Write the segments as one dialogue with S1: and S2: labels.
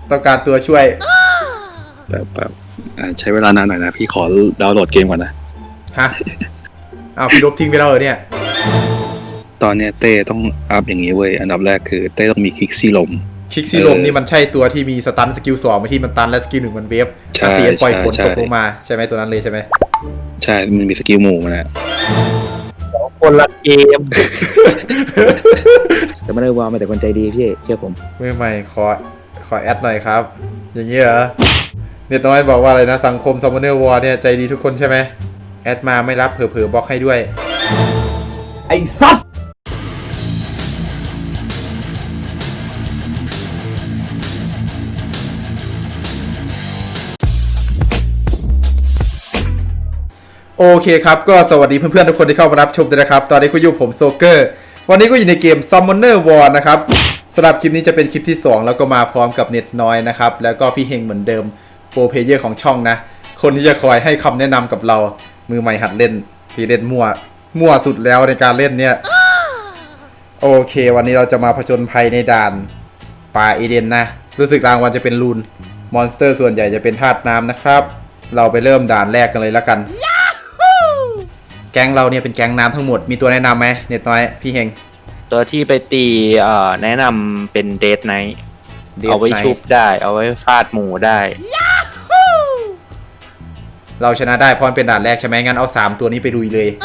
S1: ต้องการตัวช่วย
S2: แบบใช้เวลานานหน่อยนะพี่ขอดาวน์โหลดเกมก่อนนะ
S1: ฮะเอาพี่ลบทิ้งไปแล้วเหรอเนี่ย
S2: ตอนเนี้ยเต้ต้องอัพอย่างนี้เว้ยอันดับแรกคือเต้ต้องมีคิกซี่ลม
S1: คิกซี่ลมนี่มันใช่ตัวที่มีสตันสกิล2ที่มันตันและสกิล1มันเวฟตีปล่อยฝนตกลงมาใช่ไหมตัวนั้นเลยใช่ไหม
S2: ใช่มันมีสกิลหมู่มันนะ
S3: คนละเกม
S4: แต่ไม่ได้วางมาแต่คนใจดีพี่เชื่อผม
S1: ไม่ใหม่ขอแอดหน่อยครับอย่างนี้เหรอเน็ตน้อยบอกว่าอะไรนะสังคมซัมมอนเนอร์วอร์เนี่ยใจดีทุกคนใช่ไหมแอดมาไม่รับเผลอๆบล็อกให้ด้วย
S3: ไอ้สัตว์
S1: โอเคครับก็สวัสดีเพื่อนๆทุกคนที่เข้ามารับชมด้วยนะครับตอนนี้คุณอยู่ผมโซเกอร์วันนี้ก็อยู่ในเกม Summoner War นะครับสำหรับคลิปนี้จะเป็นคลิปที่2แล้วก็มาพร้อมกับเน็ตน้อยนะครับแล้วก็พี่เฮงเหมือนเดิมโปรเพลเยอร์ของช่องนะคนที่จะคอยให้คำแนะนำกับเรามือใหม่หัดเล่นที่เล่นมั่วสุดแล้วในการเล่นเนี่ยโอเควันนี้เราจะมาผจญภัยในด่านป่าเอเดนนะรู้สึกรางวัลจะเป็นลูนมอนสเตอร์ส่วนใหญ่จะเป็นธาตุน้ำนะครับเราไปเริ่มด่านแรกกันเลยแล้วกันแก๊งเราเนี่ยเป็นแก๊งน้ำทั้งหมดมีตัวแนะนำไหมเน็ตน้อยพี่เฮง
S3: ตัวที่ไปตีแนะนำเป็นเดทไนท์เอาไว้ชุบได้เอาไว้ฟาดหมูได้
S1: เราชนะได้เพราะเป็นด่านแรกใช่ไหมงั้นเอา3ตัวนี้ไปลุยเลย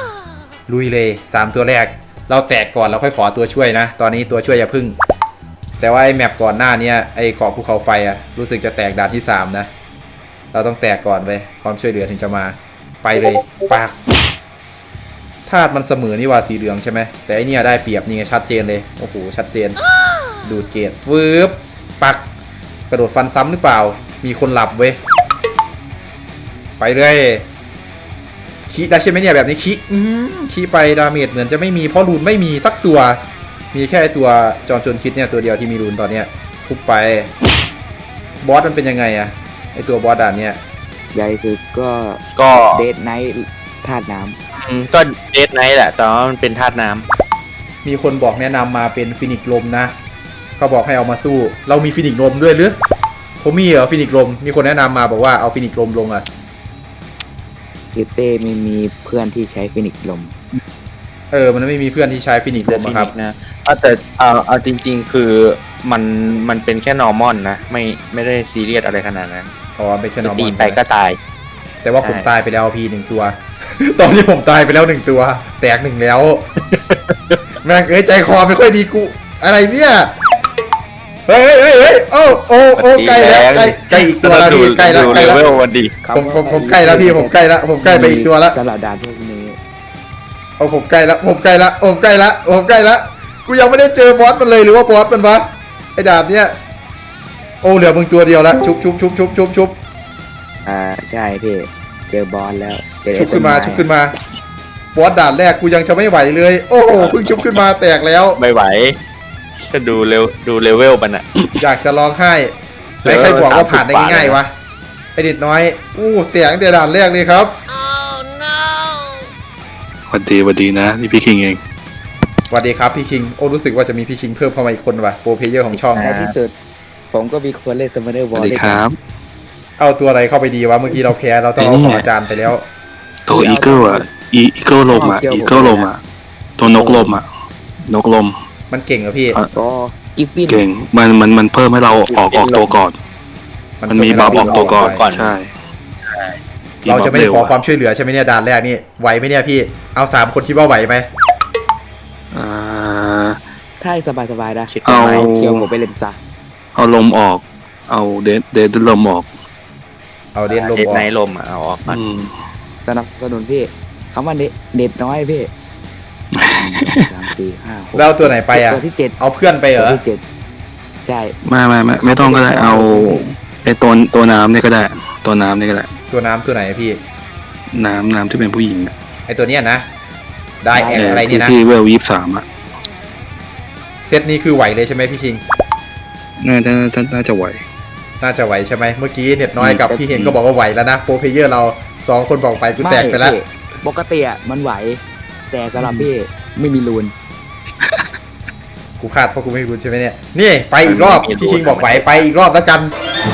S1: 3ตัวแรกเราแตกก่อนเราค่อยขอตัวช่วยนะตอนนี้ตัวช่วยอย่าพึ่งแต่ว่าไอ้แมปก่อนหน้านี้ไอ้เกาะภูเขาไฟอะรู้สึกจะแตกด่านที่3นะเราต้องแตกก่อนไปความช่วยเหลือถึงจะมาไปเลยปากธาตุมันเสมอนี่ว่าสีเหลืองใช่ไหมแต่อันนี้ได้เปรียบนี่ไงชัดเจนเลยโอ้โหชัดเจนดูดเกตฟืบปักกระโดดฟันซ้ำหรือเปล่ามีคนหลับเว้ยไปเลยขี้ได้ใช่ไหมเนี่ยแบบนี้ขี้ไปดาเมจเหมือนจะไม่มีเพราะรูนไม่มีสักตัวมีแค่ตัวจอมโจรคิดเนี่ยตัวเดียวที่มีรูนตอนเนี้ยทุบไปบอสมันเป็นยังไงอะไอตัวบอสด่านเนี้ย
S4: ใหญ่สุดก็เดทไนท์ธาตุน้
S3: ำก็เดทไนท์แหละแต่ว่ามันเป็นธาตุน้
S1: ำมีคนบอกแนะนำมาเป็นฟินิกลมนะเขาบอกให้เอามาสู้เรามีฟินิกลมด้วยหรือผมมีเหรอฟินิกลมมีคนแนะนำมาบอกว่าเอาฟินิกลมลงอะ
S4: เต้ไม่มีเพื่อนที่ใช้ฟินิกลม
S1: มันไม่มีเพื่อนที่ใช้ฟินิกลมครับ
S3: นะแต่เอาจริงๆคือมันเป็นแค่นอร์มอนนะไม่ได้ซีเรียสอะไรขนาดนั้น
S1: อ๋อเป็นแค่นอร์มอน
S3: ตีไปก็ตาย
S1: แต่ว่าผมตายไปแล้วพี่1ตัวตอนนี้ผมตายไปแล้ว1ตัวแตก1แล้วแม่งใจคอไม่ค่อยดีกูอะไรเนี่ยเฮ้ยโอ้ใกล้แล้วใกล้อีกตัวแล้วพี่ใกล้แล้วผมใกล้แล้วพี่ผมใกล้ไปอีกตัวแล้ว
S4: สลับดานพวกนี้
S1: ผมใกล้แล้วกูยังไม่ได้เจอบอสมันเลยหรือว่าบอสมันวะไอ้ด่านเนี้ยเหลือมึงตัวเดียวแล้วชุบ
S4: ใช่พี่เจอบอสแล้ว
S1: ชุบขึ้นมาบอสด่านแรกกูยังจะไม่ไหวเลยโอ้โหเพิ่งชุบขึ้นมาแตกแล้ว
S3: ไม่ไหวก็ดูเลเวลมันอะ
S1: อยากจะร้องไห้ไม่ใครบอกว่าผ่านได้ง่ายๆวะไอเด็ดน้อยแตกแต่ด่านแรกเลยครับ
S2: สวัสดีนะนี่พี่คิงเอง
S1: สวัสดีครับพี่คิงรู้สึกว่าจะมีพี่คิงเพิ่มเข้ามาอีกคนว่ะโปรเพลเยอร์ของช่อง
S4: ในที่สุดผมก็มีคนเล่นซัมเมอร์วอลเลย
S2: ครับ
S1: เอาตัวอะไรเข้าไปดีวะเมื่อกี้เราแพ้เราต้องเอาของอาจารย์ไปแล้ว
S2: ตัวอีเกิลอ่ะอีเกิลลมอ่ะตัวนกลมอ่ะนกลม
S1: มันเก่งเหรอพี่
S4: กิฟฟิน
S2: เก่งมันเพิ่มให้เราออกตัวก่อนมันมีบัฟออกตัวก่อนใช่
S1: เราจะไม่ขอความช่วยเหลือใช่ไหมเนี่ยด่านแรกนี่ไหวไหมเนี่ยพี่เอา3คนคิดว่าไหวไหม
S4: ถ้าสบายนะเอาเคียวผมไปเล่นซะ
S2: เอาลมออกเอาเดดลมออก
S1: เอาเดดลมออก
S3: ในลมเอาออก
S4: สนับสนุนพี่คำว่าเด็ดน้อยพี่3 4 5 6
S1: แล้วตัวไหนไปอ่ะ
S4: ตัวที่7
S1: เอาเพื่อนไปเหรอ
S4: ตัวที่7ใช่
S2: ไม่ต้องก็ได้เอาไอตัวน้ำนี่ก็ได้ตัวน้ำนี่ก็ได้
S1: ตัวน้ำตัวไหนพี่
S2: น้ำที่เป็นผู้หญิง
S1: ไอตัวเนี้ยนะได้แอนอะไรเนี่ยนะ
S2: ที่เวล23อ่ะ
S1: เซตนี้คือไหวเลยใช่ไหมพี่คิง
S2: น่าจะไหว
S1: ใช่ไหมเมื่อกี้เน็ตน้อยกับพี่เฮงก็บอกว่าไหวแล้วนะโปรเพลเยอร์เรา2คนบอกไปกูแตกไปแล้ว
S4: ปกติอ่ะมันไหวแต่สำหรับพี่ไม่มีรูน
S1: กูคาดเพราะกูไม่รู้ใช่ไหมเนี่ยนี่ไปอีกรอบพี่คิงบอกไปอีกรอบแล้วกัน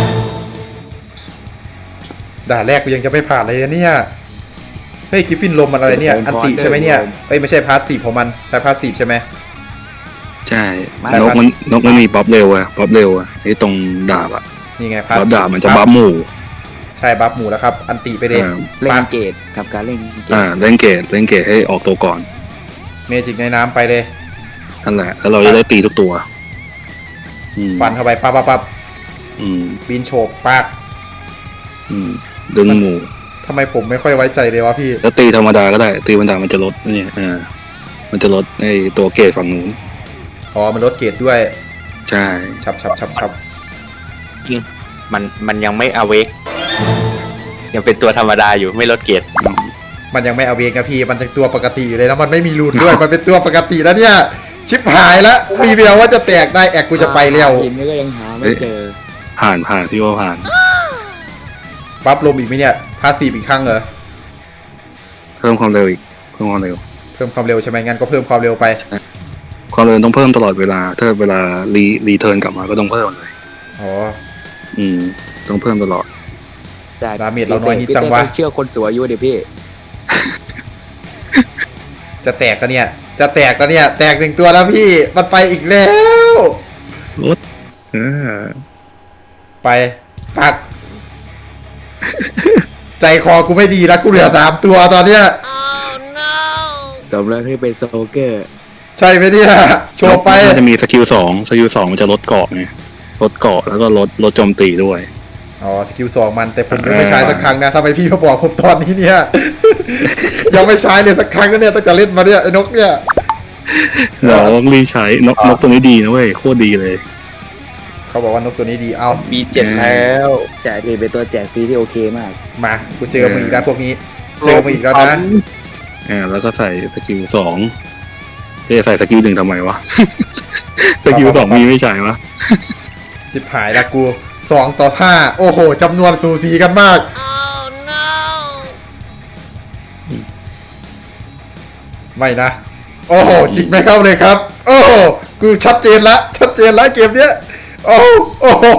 S1: ด่านแรกกูยังจะไม่ผ่านเลยนะเนี่ยเฮ้ยกิฟฟินลมมันอะไรเนี่ยอันติใช่ไหมเนี่ยเอ้ยไม่ใช่พาสซีฟของมันใช้พาสซีฟใช่ไหม
S2: ใช่นกมันมีบ๊อบเร็วอะไอ้ตรงดาบอะ
S1: นี่ไงพาส
S2: บ๊อบดาบมันจะบัฟหมู่
S1: ใช่บัฟหมูแล้วครับอันติไปเลย
S4: เล่นเกตกับการเล่นเกต
S2: เล่นเกตให้ออกตัวก่อน
S1: เมจิกในน้ำไปเลย
S2: นั่นแหละแล้วเราจะได้ตีทุกตัว
S1: ฟันเข้าไปปั๊บ บินโฉบปาก
S2: ดึงหมู่
S1: ทำไมผมไม่ค่อยไว้ใจเลยวะพี่
S2: แล้วตีธรรมดาก็ได้ตีธรรมดามันจะลดเนี่ยมันจะลดไอ้ตัวเกตฝั่งนู้น
S1: อ๋อมันลดเกรดด้วย
S2: ใช่
S1: ฉับ
S3: จริงมันยังไม่อเวกยังเป็นตัวธรรมดาอยู่ไม่ลดเกียรติ
S1: มันยังไม่เอาเวกนะพี่มันยังตัวปกติอยู่เลยนะมันไม่มีรูนด้วย มันเป็นตัวปกติแล้วเนี่ยชิบหายแล้วมีเวลว่าจะแตกได้แอกกูจะไปแล้ว
S4: หินนี่ก็ยังหาไม่เจอ
S2: ผ่านพี่ว่าผ่าน
S1: บัฟลมอีกไหมเนี่ยพาสซีฟอีกครั้งเหรอ
S2: เพิ่มความเร็วอีกเพิ่มความเร็ว
S1: เพิ่มความเร็วใช่ไหมงั้นก็เพิ่มความเร็วไป
S2: ความเร็วต้องเพิ่มตลอดเวลาถ้าเวลารีเทิร์นกลับมาก็ต้องเพิ่มเลย
S1: อ๋อ
S2: ต้องเพิ่มตลอด
S1: ดาเมจเราน้อยนิดจังวะ
S4: เชื่อคนสูงอายุดิพี่
S1: จะแตกกันเนี่ยแตกหนึ่งตัวแล้วพี่มันไปอีกแล้ว
S2: รถ
S1: ไปปัก ใจคอกูไม่ดีแล้วกูเหลือ3ตัวตอนเนี้ย
S4: สมแล้วที่เป็นโซเกอร์
S1: ใช่ไหมเนี่ยโชว์ไป
S2: มันจะมีสกิลสองมันจะลดเกาะไงลดเกาะแล้วก็ลดโจมตีด้วย
S1: อ๋อสกิล2มันแต่ผมยังไม่ใช้สักครั้งนะทำไมพี่มาบอกผมตอนนี้เนี่ย ยังไม่ใช้เลยสักครั้งนะเนี่ยตั้งแต่เล่นมาเนี่ยไอ้นกเนี่ย
S2: เราต้องรีบใช้นกตัวนี้ดีนะเว้ยโคตรดีเลย
S1: เขาบอกว่านกตัวนี้ดีเอา
S3: มีเจ็ดแล้ว
S4: แจกเป็นตัวแจกฟรีที่โอเคมาก
S1: มากูเจอมึงอีกแล้วพวกนี้เจอมึงอีกแล้วนะ
S2: แล้วก็ใส่สกิลสองจะใส่สกิลหนึ่งทำไมวะ สกิลสองมีไม่ใช่วะ
S1: ชิบหายละกู2-5โอ้โหจำนวนสูสีกันมากไม่นะโอ้โหจิกไม่เข้าเลยครับโอ้โหกูชัดเจนละเกมเนี้ยโอ้โห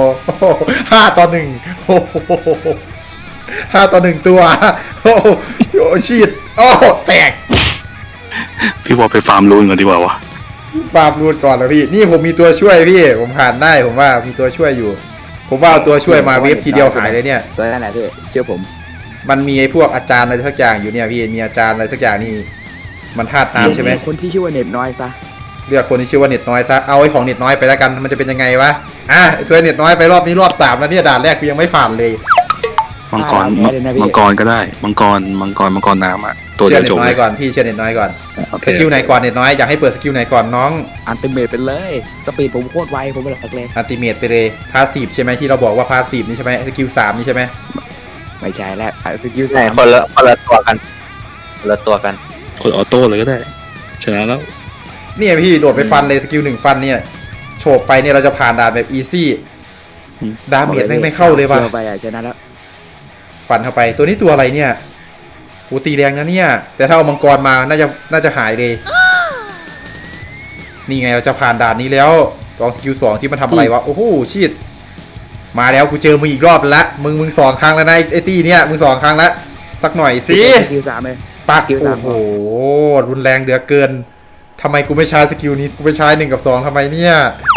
S1: 5-1โอ้โห5-1ตัวโอ้โหชีดโอ้โหแตก
S2: พี่บอกไปฟาร์มรูนก่อนดีกว่าวะ
S1: ฟาร์มรูดก่อนแล้วพี่นี่ผมมีตัวช่วยพี่ผมผ่านได้ผมว่ามีตัวช่วยอยู่ ผมว่าเอาตัวช่วยมาเวฟทีเดียวหายเลยเนี่ย
S4: ตัวนั่นแหละพี่เชื่อผม
S1: มันมีไอ้พวกอาจารย์อะไรสักอย่างอยู่เนี่ยพี่มีอาจารย์อะไรสักอย่างนี่มันธาตุน้ำใช่ไหม
S4: คนที่ชื่อว่าเน็ตน้อยซะ
S1: เลือกคนที่ชื่อว่าเน็ตน้อยซะเอาไอ้ของเน็ตน้อยไปแล้วกันมันจะเป็นยังไงวะไอ้ตัวเน็ตน้อยไปรอบนี้รอบ3แล้วเนี่ยด่านแรกกูยังไม่ผ่านเลย
S2: มังกรก็ได้มังกรน้ำอ่ะตัว
S1: เชื่
S2: เดี
S1: อ
S2: ยว
S1: เน็
S2: จ
S1: ต
S2: บ
S1: น้อยก่อนพี่เชื่อเน็ตน้อยก่อน
S2: โอเค
S1: สกิลไหนก่อนเน็ตน้อยอยากให้เปิดสกิลไหนก่อนน้อง
S4: อันติเมทเป็นเลยสปีดผมโคตรไวผมเป็นหลักเลย
S1: อัลติเมทไปเลยพาสซีฟใช่ไหมที่เราบอกว่าพาสซีฟนี่ใช่ไหมสกิล3นี่ใช่ไหม
S4: ไม่ใช่แล้วสกิล
S3: ใช่
S4: 3
S3: คนละตัวกัน
S2: กดออโต้เลยก็ได้ชนะแล้ว
S1: เนี่ยพี่โดดไปฟันเลยสกิล1ฟันเนี่ยโฉบไปเนี่ยเราจะผ่านด่านแบบอีซี่ดาเมจไม่เข้าเลยว่ะ
S4: ไปชนะแล้ว
S1: ฟันเข้าไปตัวนี้ตัวอะไรเนี่ยโหตีแรงนะเนี่ยแต่ถ้าเอามังกรมาน่าจะหายเลยนี่ไงเราจะผ่านด่านนี้แล้วลองสกิล2ที่มันทำอะไรวะโอ้โหชิดมาแล้วกูเจอมึงอีกรอบละมึง2ครั้งแล้วนะไอ้ตี้เนี่ยมึง2ครั้งละสักหน่อยสิ
S4: สกิล3เลย
S1: ปัก
S4: สกิล
S1: โอ้
S4: 3
S1: โหรุนแรงเหลือเกินทำไมกูไม่ใช้สกิลนี้กูไปใช้1กับ2ทำไมเนี่ย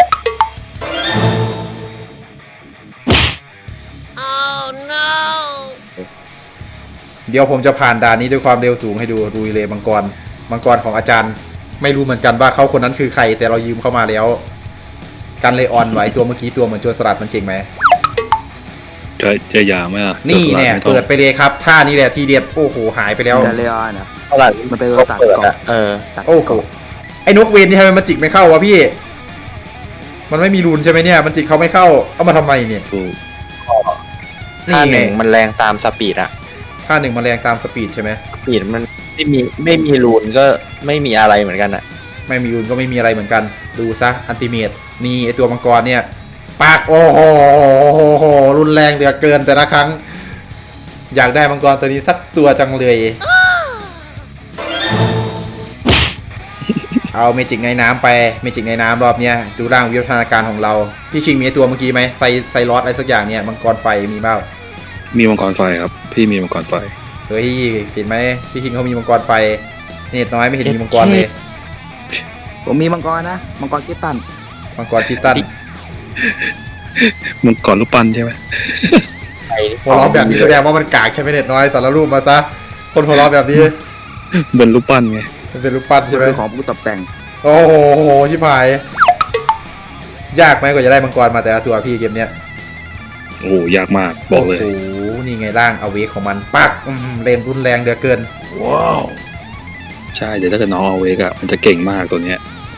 S1: เดี๋ยวผมจะผ่านด่านนี้ด้วยความเร็วสูงให้ดูลุยเลยมังกรของอาจารย์ ไม่รู้เหมือนกันว่าเขาคนนั้นคือใครแต่เรายืมเข้ามาแล้วกันเลยออนไว้ตัวเมื่อกี้ตัวเหมือนโจรสลัดมันเก่งไหม
S2: จะยาไหมอ่ะ
S1: นี่เนี่ยเปิดไปเลยครับท่านี้แหละทีเด็ดโอ้โหหายไปแล้ว
S4: ดาเลออนนะ
S3: เท่าไหร่
S4: มันเป็นตัวตัดเกาะ ตัด
S1: โอ้โห
S4: เกาะ
S1: ไอ้นกเวนนี่ทำไมมันจิกไม่เข้าวะพี่ มันไม่มีรูนใช่ไหมเนี่ยมันจิกเขาไม่เข้าเอามาทำไมเนี่ย
S3: ท่า
S1: นี่
S3: ห
S1: ไง
S3: นึ่งมันแรงตามสปีดอะ
S1: ท่า1มันแรงตามสปีดใช่ไหม
S3: สปีดมันไม่มีรูนก็ไม่มีอะไรเหมือนกันอะ
S1: ไม่มีรูนก็ไม่มีอะไรเหมือนกันดูซะอันติเมตนี่ไอตัวมังกรเนี่ยปากโอ้โหรุนแรงเหลือเกินแต่ละครั้ง อยากได้มังกรตัวนี้สักตัวจังเลยเอาเมจิกในน้ำไปเมจิกในน้ำรอบเนี้ยดูร่างวิวัฒนาการของเราพี่คิงมีตัวเมื่อกี้ไหมไซรอสอะไรสักอย่างเนี่ยมังกรไฟมีเปล่า
S2: มีมังกรไฟครับ พี่มีมังกรไฟ
S1: เฮ้ยเห็นไหมพี่คิงเขามีมังกรไฟเนตน้อยไม่เห็นมีมังกรเลย
S4: ผมมีมังกรนะมังกรกิตตัน
S1: มังกรพิตัน
S2: มังกรรูปปั้นใช่ไหม
S1: หัวเราะแบบนี้แสดงว่ามันกากใช่ไหมเนตน้อยสารรูปมาซะคนหัวเราะแบบนี้
S2: เป็นรูปปั้นไง
S1: มันเป็นรูปปั้นใช่ไหม
S4: คือของผู้ตกแต่ง
S1: โอ้โหชิบหายยากไหมกว่าจะได้มังกรมาแต่ละตัวพี่เกมเนี้ย
S2: โอ้โหยากมากบอกเลย
S1: โอ้โหนี่ไงร่างเอาเวกของมันปักเล่นรุนแรงเดือเกิน
S2: ว้าวใช่เดี๋ยวถ้าเกิดน้องเอาเวกอะมันจะเก่งมากตัวเนี้ย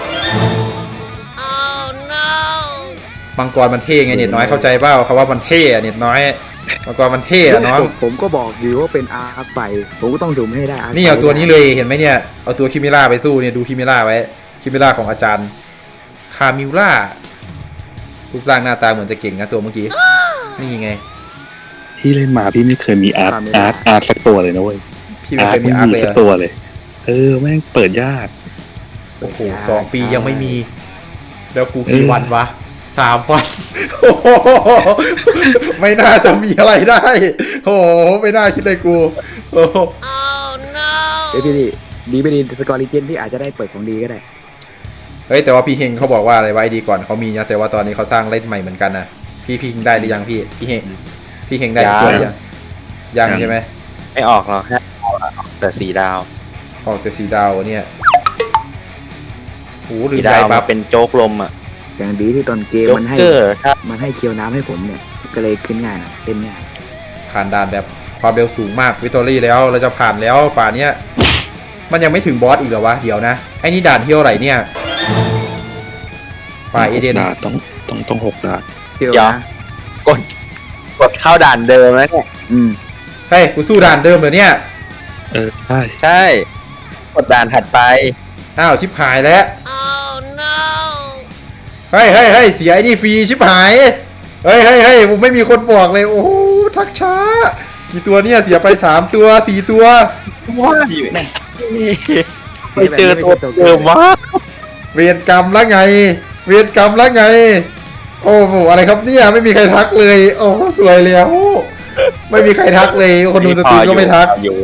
S1: มังกรมันเท่ไงเน็ตน้อยเข้าใจเปล่าเขาว่ามันเท่อะเน็ตน้อยมังกรมันเท่อะน้อง
S4: ผมก็บอกอยู่ว่าเป็นอาร์คไฟผมก็ต้องซูมให้ได้
S1: นี่เอาตัวนี้เลยเห็นไหมเนี่ยเอาตัวคิมิล่าไปสู้เนี่ยดูคิมิล่าไว้คิมิล่าของอาจารย์คามิล่ารูปร่างหน้าตาเหมือนจะเก่งนะตัวเมื่อกี้นี่ไง
S2: พี่เล่นมาพี่ไม่เคยมีอาร์ตสักตัวเลยนะเว้ย
S1: พี่ไม่เคยมีอาร์คเลย
S2: สักตัวเลยแม่งเปิดยาก
S1: โอ้โห2 ปียังไม่มี แล้วกูกี่วันวะ3 วันโอ้โหไม่น่าจะมีอะไรได้โอ้โหไม่น่าคิดเลยกูโอ้โห
S4: เฮ้ยพี่ดีไม่ดีสกอร์ลิเจนพี่อาจจะได้เปิดของดีก็ได้
S1: เฮ้ยแต่ว่าพี่เฮงเขาบอกว่าอะไรไว้ดีก่อนเขามีนะแต่ว่าตอนนี้เขาสร้างเล่นใหม่เหมือนกันนะพี่เฮงได้หรือยังพี่เฮงได้ตัวหรือยังใช่ไหม
S3: ไม่ออกหรอกแค่ออกแต่4 ดาว
S1: ออกแต่4 ดาวเนี่ยโอ้ลืม
S3: 4
S1: ใจ
S3: ดาว
S1: ปั๊
S3: มา
S1: บ
S3: เป็นโจ๊กลมอ่ะ
S4: อย่างดีที่ตอนเกม
S3: โจ๊ก
S4: มันให้
S3: เกอร์ครับ
S4: มันให้เคียวน้ำให้ผมเนี่ยก็เลยขึ้นง่ายนะเป็นง่าย
S1: ผ่านด่านแบบความเร็วสูงมากวิตตอรี่แล้วเราจะผ่านแล้วป่านเนี้ยมันยังไม่ถึงบอสอีกเหรอวะเดี๋ยวนะไอ้นี่ด่านเที่ยวไหนเนี่ยป่าเอเดน
S2: ด่านต้อง6 ด่าน
S4: เคียว
S3: เดี๋ยว
S4: นะ
S3: กดเข้าด่านเดิมแล้วเนี่ย
S1: เฮ้ยกูสู้ด่านเดิมเหรอเนี่ย
S2: ใช่
S3: ใช่กดด่านถัดไป
S1: อ้าวชิบหายแล้วเฮ้ยเสียไอ้นี่ฟรีชิบหายเฮ้ยผมไม่มีคนบอกเลยโอ้โหทักช้ากี่ตัวเนี่ยเสียไป3 ตัว4 ตัว
S3: ว้าอยู่เนี่ยไปเจอตัวเดิมวะ
S1: เวรกรรมแล้วไงโอ้โหอะไรครับเนี่ยไม่มีใครทักเลยโอ้สวยแล้วไม่มีใครทักเลยคนดูสตรีมก็ไม่ทัก
S3: อยู่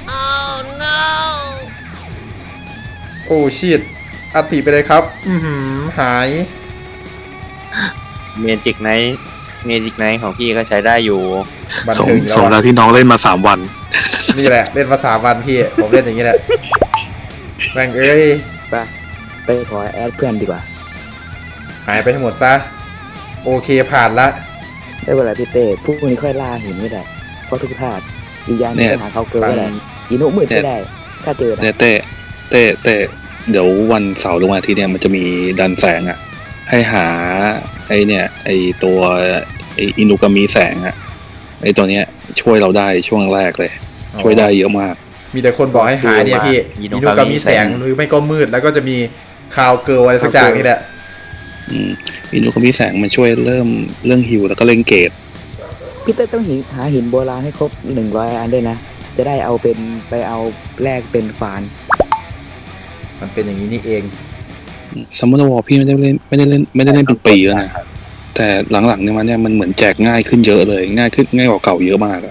S1: โอ้ชิตอัติไปเลยครับหาย
S3: เมจิกไนท์ของพี่ก็ใช้ได้อยู่
S1: บัน
S2: สม
S1: เทิงแล้
S2: ส
S1: ว
S2: มแล้ว
S1: อะ
S2: ที่น้องเล่นมา3 วัน
S1: นี่แหละเล่นมา3 วันพี่ผมเล่นอย่างนี้แหละแม่งเอ้ย
S4: ไปขอแอดเพื่อนดีกว่า
S1: หายไปทั้งหมดซะโอเคผ่านละ
S4: ได้เวลาพี่เต้พวกนี้ค่อยล่าหินไม่ได้เพราะทุกธาตุอีกอย่างหนึงก็หาเขาเกินไม่ได้อินุมืดไม่ได้ ถ้าเจอนะ
S2: เนี่ยเต้เดี๋ยววันเสาร์หรือวันอาทิตย์เนี่ยมันจะมีดันแสงอะให้หาไอเนี่ยไอตัวไออินุกามิแสงอะไอตัวเนี้ยช่วยเราได้ช่วงแรกเลย ช่วยได้เยอะมาก
S1: มีแต่คนบอกให้หาเนี่ยพี่อินุกามีแสงหรือไม่ก็มืดแล้วก็จะมีคาวเกิลอะไรสักอย่างนี่แหละ
S2: อินุกามิแสงมันช่วยเรื่องฮิวแล้วก็เล่นเกต
S4: พี่เต้ต้องหาหินโบราณให้ครบ100 อันด้วยนะ จะได้เอาไปเอาแลกเป็นฟาน
S1: มันเป็นอย่างนี้นี่เอง
S2: ซัมมอนวอลพี่ไม่ได้เล่นเป็นปีแล้วนะแต่หลังๆเนี่ยมันเหมือนแจกง่ายขึ้นเยอะเลยง่ายกว่าเก่าเยอะมากอะ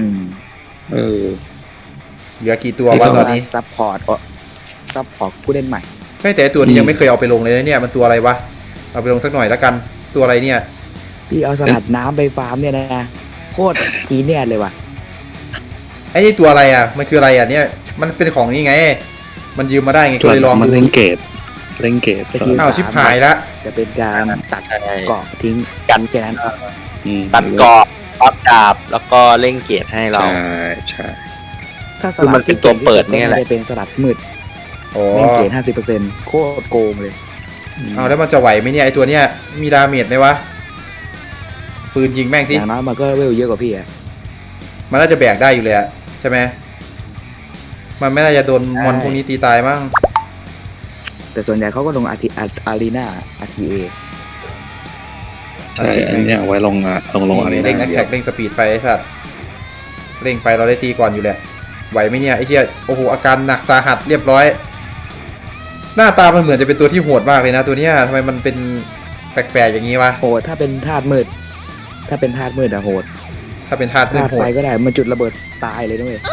S1: เหลือกี่ตัววะตอนนี้
S4: ซัพพอร์ตผู้เล่นใหม่
S1: ไม่แต่ตัวนี้ยังไม่เคยเอาไปลงเลยนะเนี่ยมันตัวอะไรวะเอาไปลงสักหน่อยแล้วกันตัวอะไรเนี่ย
S4: พี่เอาสลัดน้ำไปฟาร์มเนี่ยนะโคตรจีเนียสเลยว่ะ
S1: ไอ้นี่ตัวอะไรอ่ะมันคืออะไรอ่ะเนี่ยมันเป็นของนี่ไง มันยืมมาได้ไง
S2: ส่
S1: ก็
S2: วน
S1: เลยลอง
S2: มัน
S1: ดู
S2: เล่นเกต
S1: อ้าวชิบหายละ
S4: จะเป็นการตัดเกาะทิ้ง
S3: กัน
S4: แค่นั้น
S3: ตัดเกาะปับดาบแล้วก็เล่งเกียรติให้เรา
S2: ใช่
S4: ถ้าส
S3: คือ
S4: ลั
S3: มั
S4: ด
S3: นเป็นตัวเปิดเนี่ยแหละ
S4: จะเป็นสลัดมืด
S1: โอ้
S4: เล่นเกรด50%โคตรโกงเลย
S1: เอาแล้วมันจะไหวไหมเนี่ยไอตัวเนี้ยมีดาเมจไหมวะปืนยิงแม่ง
S4: อ
S1: สิ
S4: ย่างน้อยมันก็เวลเยอะกว่าพี่อะ
S1: มันน่าจะแบกได้อยู่เลยอะใช่ไหมมันไม่น่าจะโดนมอนพวกนี้ตีตายมั้ง
S4: แต่ส่วนใหญ่เขาก็ลงอารีนาRTA
S2: ใช่อันเนี้ยเอาไว้ลงอะไร
S1: เร่งแอ
S2: นะ
S1: คแท็กเร่งสปีดไปไอ้สัตว์เร่งไปเราได้ตีก่อนอยู่แหละไหวไหมเนี่ยไอ้เหี้ยโอ้โหอาการหนักสาหัสเรียบร้อยหน้าตามันเหมือนจะเป็นตัวที่โหดมากเลยนะตัวเนี้ยทำไมมันเป็นแปลกๆอย่างนี้วะ
S4: โหดถ้าเป็นธาตุมืดอะโหด
S1: ถ้าเป็นธาตุมื
S4: ธา
S1: ด
S4: ตุ
S1: โห
S4: ไฟ
S1: ด
S4: ก็ได้มันจุดระเบิดตายเลยด้วย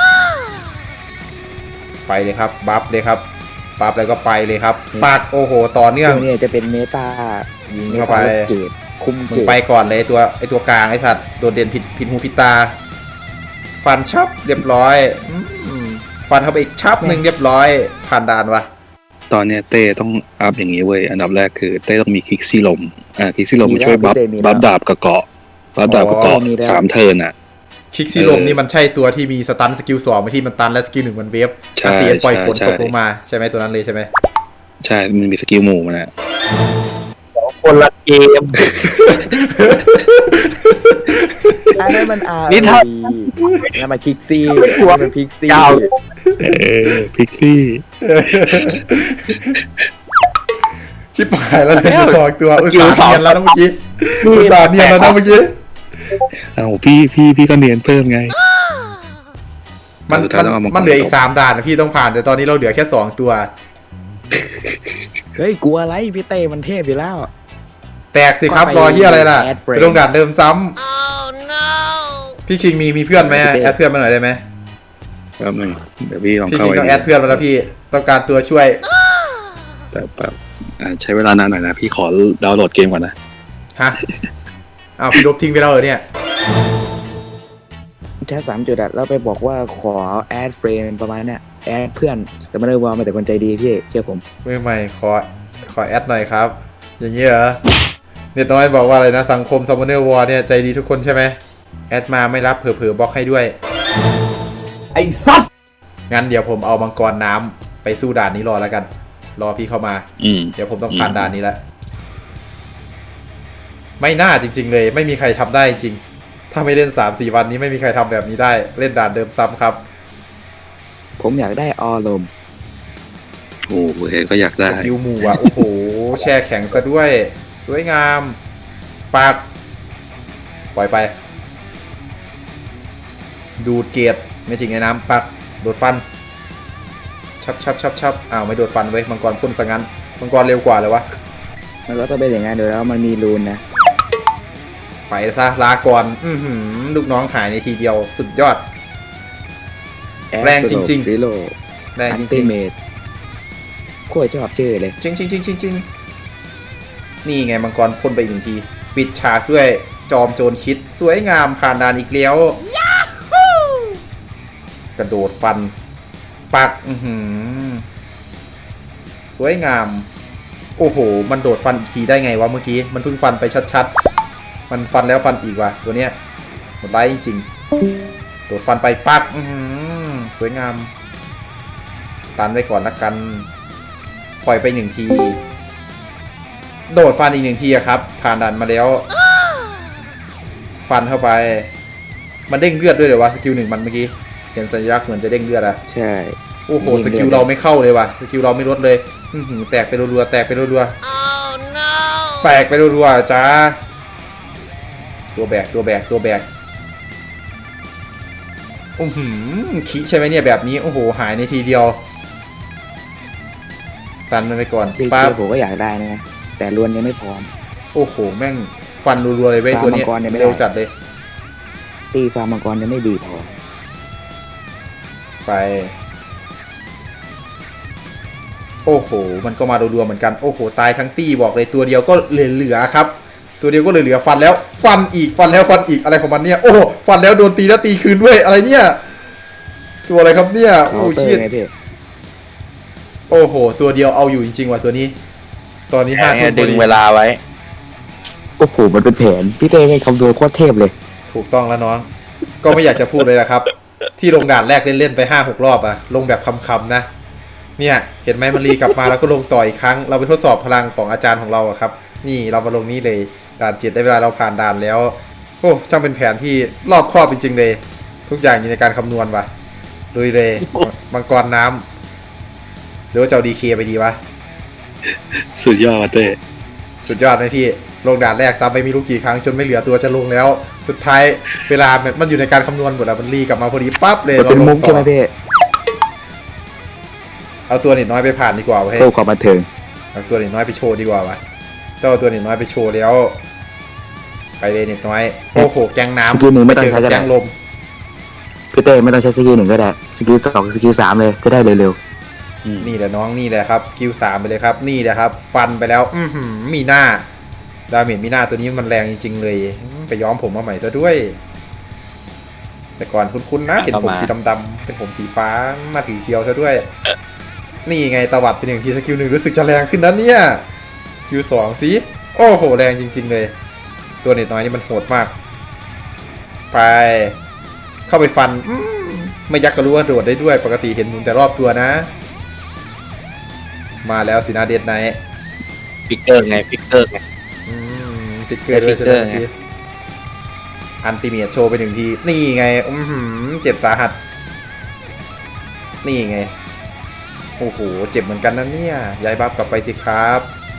S1: ไปเลยครับบัฟเลยครับบัฟแล้วก็ไปเลยครับปักโอ้โหต่อเนื่อง
S4: พวกนี้จะเป็นเมตายิง
S1: เข้าไป
S4: เกตคุม
S1: มึ
S4: เก
S1: ง
S4: ต
S1: ไปก่อนเลยไอตัวกลางไอสัตว์โดดเด่นผิดหูผิดตา ฟันชับเรียบร้อยฟันเข้าไปอีกชับหนึ่งเรียบร้อยผ่านด่านวะ
S2: ตอนเนี้ยเต้ต้องอัพอย่างนี้เว้ยอันดับแรกคือเต้ต้องมีคิกซี่ลมคิกซี่ลมมันช่วยบัฟดาบกับเกาะบัฟดาบกับเกาะ3 เทิร์นอ่ะ
S1: คิกซี่ลมนี่มันใช่ตัวที่มีสตันสกิล2ที่มันตันและสกิล1มันเวฟ
S2: ใช่
S1: ตีปล่อยฝน
S2: ใช่
S1: ตกลงมาใช่ไหมตัวนั้นเลยใช่ไหม
S2: ใช่มันมีสกิลหมู่มันอ่ะ
S3: คนละเกม
S4: อันนั้นมันอาร์
S3: นี่ถ้า
S4: นั่นมันคิกซี่
S3: ไม่กลัว
S4: มันพิกซี่
S3: ยาว
S2: พิกซี่
S1: ชิบหายแล้วเลยสองตัวอุตส่าห์เนียนแล้วนะเมื่อกี้อุตส่าห์เนียนแล้วนะเมื่อกี้
S2: อ้าวพี่ก็เนียนเพิ่มไง
S1: มันเหลืออีก3ด่านนะพี่ต้องผ่านแต่ตอนนี้เราเหลือแค่2ตัว
S4: เฮ้ยกลัวอะไรพี่เต้มันเทพอยู่แล้ว
S1: แตกสิครับ
S4: ก็ไป
S1: รอเฮียอะไรล่ะ
S4: แอดเฟรนด์
S1: ไปลงด่านเดิมซ้ำพี่คิงมีเพื่อนไหมแอดเพื่อนมาหน่อยได้ไหม
S2: แป๊บนึงเดี๋ยวพี่ลอง
S1: พี่
S2: เข้า
S1: คิง
S2: ไป
S1: ต้องแอดเพื่อนมาแล้วพี่ต้องการตัวช่วย
S2: แต่แบบใช้เวลานานหน่อยนะพี่ขอดาวน์โหลดเกมก่อนนะ
S1: ฮะอ้าวพี่ลบทิ้งไปแล้วเหรอเนี่ย
S4: แค่3 จุดอะแล้วไปบอกว่าขอแอดเฟรนประมาณเนี้ยแอดเพื่อนแต่ไม่ได้ว่ามาแต่คนใจดีพี่เชื่อผม
S1: มือใหม่ขอแอดหน่อยครับ อย่างนี้เหรอเน็ตน้อยบอกว่าอะไรนะสังคมซัมมอนเนอร์วอร์เนี่ยใจดีทุกคนใช่ไหมแอดมาไม่รับเผลอๆบล็อกให้ด้วย
S3: ไอ้สัตว์
S1: งั้นเดี๋ยวผมเอามังกรน้ำไปสู้ด่านนี้รอแล้วกัน รอพี่เข้ามา เดี๋ยวผมต้องผ่านด่านนี้แล้วไม่น่าจริงๆเลยไม่มีใครทำได้จริงถ้าไม่เล่น 3-4 วันนี้ไม่มีใครทำแบบนี้ได้เล่นด่านเดิมซ้ำครับ
S4: ผมอยากได้ออลม
S2: โอ้โหก็อยากได้
S1: สกิลหมู่อ่ะ โอ้โห แช่แข็งซะด้วย สวยงามปักปล่อยไป ดูดเกียรไม่จริงในน้ำปักโดดฟันชับอ้าวไม่โดดฟันไว้ยมังกรพ่นซะงั้นมังกรเร็วกว่าเลยวะ
S4: มันก็ต้องเป็นอย่างนั้นเดี๋ยวแล้วมันมีรูนนะ
S1: ไปซะลาก่อนลูกน้องหายในทีเดียวสุดยอด แรงจริงๆ
S4: ซีโร่
S1: แรง
S4: อั
S1: จ
S4: นติ
S1: ริง
S4: เมตโคตรชอบชื่อเลย
S1: ๆจริงนี่ไงมังกรพ่นไปอีก1 ทีปิดฉากด้วยจอมโจรคิดสวยงามผ่านด่านอีกแล้วกระโดดฟันปักสวยงามโอ้โหมันโดดฟันอีกทีได้ไงวะเมื่อกี้มันเพิ่งฟันไปชัดๆมันฟันแล้วฟันอีกว่ะตัวเนี้ยหมดไร้จริงๆโดดฟันไปปักสวยงามตันไว้ก่อนละกันปล่อยไป1 ทีโดดฟันอีก1 ทีอะครับผ่านด่านมาแล้วฟันเข้าไปมันเด้งเลือดด้วยเลยวะสกิล1มันเมื่อกี้เห็นสัญลักษณ์เหมือนจะเด้งเลือดอะ
S4: ใช่
S1: โอ้โหสกิลเราไม่เข้าเลยว่ะสกิลเราไม่ลดเลยแตกไปรัวๆแตกไปรัวๆแตกไปรัวๆจ้าตัวแบกขี้ใช่ไหมเนี่ยแบบนี้โอ้โหหายในทีเดียวตันมันไปก่อน
S4: พี่
S1: ปั๊บ
S4: ผมก็อยากได้นะแต่รวนยังไม่พร้อม
S1: โอ้โหแม่งฟันรัวๆเลยเว้ย
S4: ฟาร์ม
S1: ตัวเนี้ย
S4: มังกรเนี่ยไม่ได้
S1: เร็วจัดเลย
S4: ตีฟาร์มมังกรยังไม่ดีพอ
S1: ไปโอ้โหมันก็มารัวๆเหมือนกันโอ้โหตายทั้งตี้บอกเลยตัวเดียวก็เหลือๆครับตัวเดียวก็เหลือๆฟันแล้วฟันอีกฟันแล้วฟันอีกอะไรของมันเนี่ยโอ้ฟันแล้วโดนตีแล้วตีคืนด้วยอะไรเนี่ยตัวอะไรครับเนี่ย
S4: เคา
S1: โอ้
S4: น์เตอ
S1: ชิ
S4: ร์
S1: ต
S4: ไงพี่
S1: โอ้โหตัวเดียวเอาอยู่จริงๆว่ะตัวนี้ ตอนนี้5 ทุ่มพ
S3: ดึ
S1: อง ดี
S3: เวลาไว้
S4: โอ้โหมันเป็นแผนพี่เต้ให้คำนวณโคตรเทพเลย
S1: ถูกต้องแล้วน้อง ก็ไม่อยากจะพูดเลยนะครับ ที่ลงด่านแรกเล่นๆไป 5-6 รอบอะลงแบบคำๆนะเนี่ยเห็นไหมมันรีกลับมาแล้วก็ลงต่ออีกครั้งเราไปทดสอบพลังของอาจารย์ของเราอะครับนี่เรามาลงนี่เลยด่าน7ได้เวลาเราผ่านด่านแล้วโอ้ช่างเป็นแผนที่รอบคอบจริงๆเลย ทุกอย่างอยู่ในการคำนวณว่ะลุยเลยมังกรน้ำหรือว่าจะเอาดีเคไปดีวะ
S2: สุดยอดว่ะเต้
S1: สุดยอดไหมพี่ลงด่านแรกซ้ำไปไม่รู้กี่ครั้งจนไม่เหลือตัวจะลงแล้ว สุดท้ายเวลามันอยู่ในการคำนวณหมดอะมันรีกลับมาพอดีปั๊บเลย
S4: มันเป็น
S1: ลง
S4: มุก
S1: ต่
S4: ใช่ไหม
S1: อ
S4: พี่
S1: เอาตัวเน็ตน้อยไปผ่านดีกว่าเว้ย
S4: เพื่อความบันเทิง
S1: เอาตัวเน็ตน้อยไปโชว์ดีกว่าวะเจ้าเอาตัวเน็ตน้อยไปโชว์แล้ว ไปเลยเน็ตน้อยโอ้โหแกงน้ำ
S4: สกิลหนึ่งไม่ต้องใช้ก็
S1: แก
S4: ได้
S1: งลม
S4: พี่เต้ไม่ต้องใช้สกิลหนึ่งก็ได้สกิล2สกิล3เลยจะได้เร็ว
S1: นี่แหละน้องนี่แหละครับสกิล3ไปเลยครับนี่แหละครับ ฟันไปแล้วมีหน้าดาเมจมีหน้าตัวนี้มันแรงจริงๆเลยไปย้อมผมมาใหม่ซะด้วย แต่ก่อนคุ้นๆนะเห็นผมสีดำๆเป็นผมสีฟ้ามาถือเคียวซะด้วย นี่ไงตวัดเป็นหนึ่งทีสกิลหนึ่งรู้สึกจะแรงขึ้นนะเนี่ยสกิล2สิโอ้โหแรงจริงๆเลย ตัวเน็ตน้อยนี่มันโหดมาก ไป เข้าไปฟันไม่ยักก็รู้ว่าโดดได้ด้วยปกติเห็นมุมแต่รอบตัวนะ มาแล้วสินะเดดไนท์
S3: ฟิกเกอร์ไงฟิกเกอร์ไง
S1: ติดเกลือด้วยใช่ไหม
S3: ฟิกเกอร์ไง
S1: พี่อันติเมียโชว์ไปหนึ่งทีนี่ไงเจ็บสาหัส นี่ไงโอ้โหเจ็บเหมือนกันนะเนี่ยย้ายบัฟกลับไปสิครับ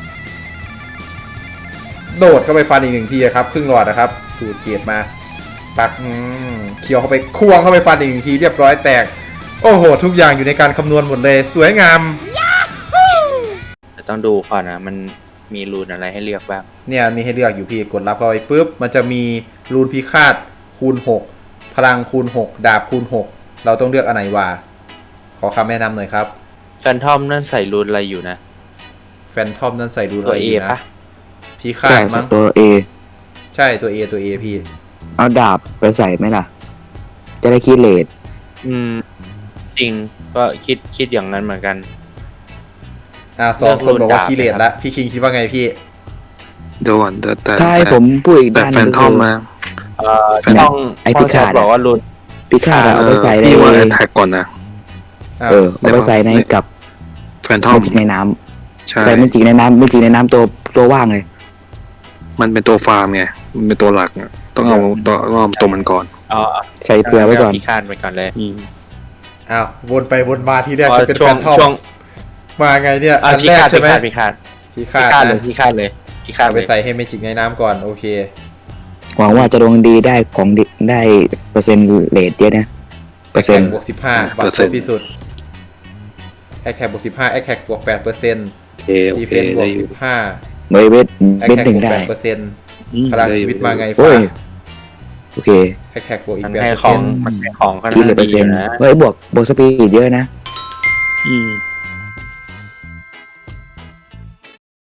S1: โดดเข้าไปฟันอีกหนึ่งทีครับครึ่งหลอดนะครับดูดเกียรมาปักเคี้ยวเข้าไปควงเข้าไปฟันอีกหนึ่งทีเรียบร้อยแตกโอ้โหทุกอย่างอยู่ในการคำนวณหมดเลยสวยงาม
S3: แต่ต้องดูก่อนนะมันมีรูนอะไรให้เลือกบ้าง
S1: เนี่ยมีให้เลือกอยู่พี่กดรับเข้าไปปุ๊บมันจะมีรูนพิฆาตคูณ6พลังคูณ6ดาบคูณ6เราต้องเลือกอันไหนวะขอคำแนะนำหน่อยครับ
S3: แฟนทอมนั่นใส่รูนอะไรอยู่นะ
S1: แฟนทอมนั่นใส่รูน
S3: ตัว
S1: อะไร
S3: เอ
S1: อยู่
S3: ปะ
S1: นะพิ
S4: ๆ
S1: ฆา
S4: ใช่
S1: ตมั้ง
S4: ตัว A
S1: ใช่ตัว A พี่
S4: เอาดาบไปใส่ไหมล่ะ จะได้คิดเลท
S3: จริงก็คิดอย่างนั้นเหมือนกัน
S1: สองคนบอกว่า
S3: เลือกรูนดาบ
S1: คีเลต
S3: นะครับ
S1: ละพี่คิงคิดว่าไงพี่
S2: เดี๋ยวก่อนแต่
S4: ถ้าให้ผมพูดอีก
S2: แต่
S4: ด้านห
S2: แฟ
S4: นึ
S2: น
S4: ง
S2: ท
S4: ก็
S2: อม
S4: คือ
S2: มา
S3: ต้อง
S4: ไอ้พิฆาต
S3: บอกว่ารูน
S4: พิฆาตเอาไปใส่ใน
S2: พี่ว่าแอทแทกก่อนนะ
S4: เอาไปใส่ในกับ
S2: แฟนทอ
S4: เม
S2: ม
S4: จิกในน้ำ
S2: ใช่
S4: ใส่เมจิกในน้ำเมจิกในน้ำตัวว่างเลย
S2: มันเป็นตัวฟาร์มไงมันเป็นตัวหลักอะต้องเอาตัวมันก่อน
S3: อ๋อ
S4: ใส่เผื่อไว้ก่อน
S3: พิฆาตไปก่อนเลย
S1: อ้าววนไปวนมาทีแรกจะเป็น
S3: ช่
S1: แฟ
S3: วง
S1: นทอม
S3: ช่วง
S1: มาไงเนี่ย
S3: อ่ะ
S1: อัน
S3: พิ
S1: แรก
S3: ฆาต
S1: ใช่ไหม
S3: พิฆาต
S1: พิ
S3: พิ
S1: ฆาต
S3: ฆาตเลย
S1: นะ
S3: พิฆาตเลยพิฆาต
S1: เอา
S3: เล
S1: ไป
S3: ย
S1: ใส่ให้เมจิกในน้ำก่อนโอเค
S4: หวังว่าจะดวงดีได้ของดีได้เปอร์เซ็นต์เลทเยอะนะเปอร์เซ็นต์
S1: บวก15บัตรครบที่สุดแอคแท็กบวก15แอคแท็กบวก8%
S2: โอเคโอ
S1: ดี
S2: เค
S1: เฟนซ์บว
S2: ได้
S1: ก
S2: อยู่
S1: 15
S4: เวท
S1: แอค
S4: เวท
S1: แท็ก
S4: หนึ่ง
S1: บวก
S4: ได้
S1: 8%พลังชีวิตมาไง
S4: โอ้
S1: ฟ้าย
S4: โอเค
S1: แอคแท็กบวกอี
S3: มั
S1: ก
S3: นให้ของ
S1: 8%
S3: มันให้ของขนาด
S4: คิดเลยเปอร์
S3: ดี
S4: เซ็นต์
S3: นะ
S4: เฮ้ยบวกสปีดเยอะนะ
S2: อืม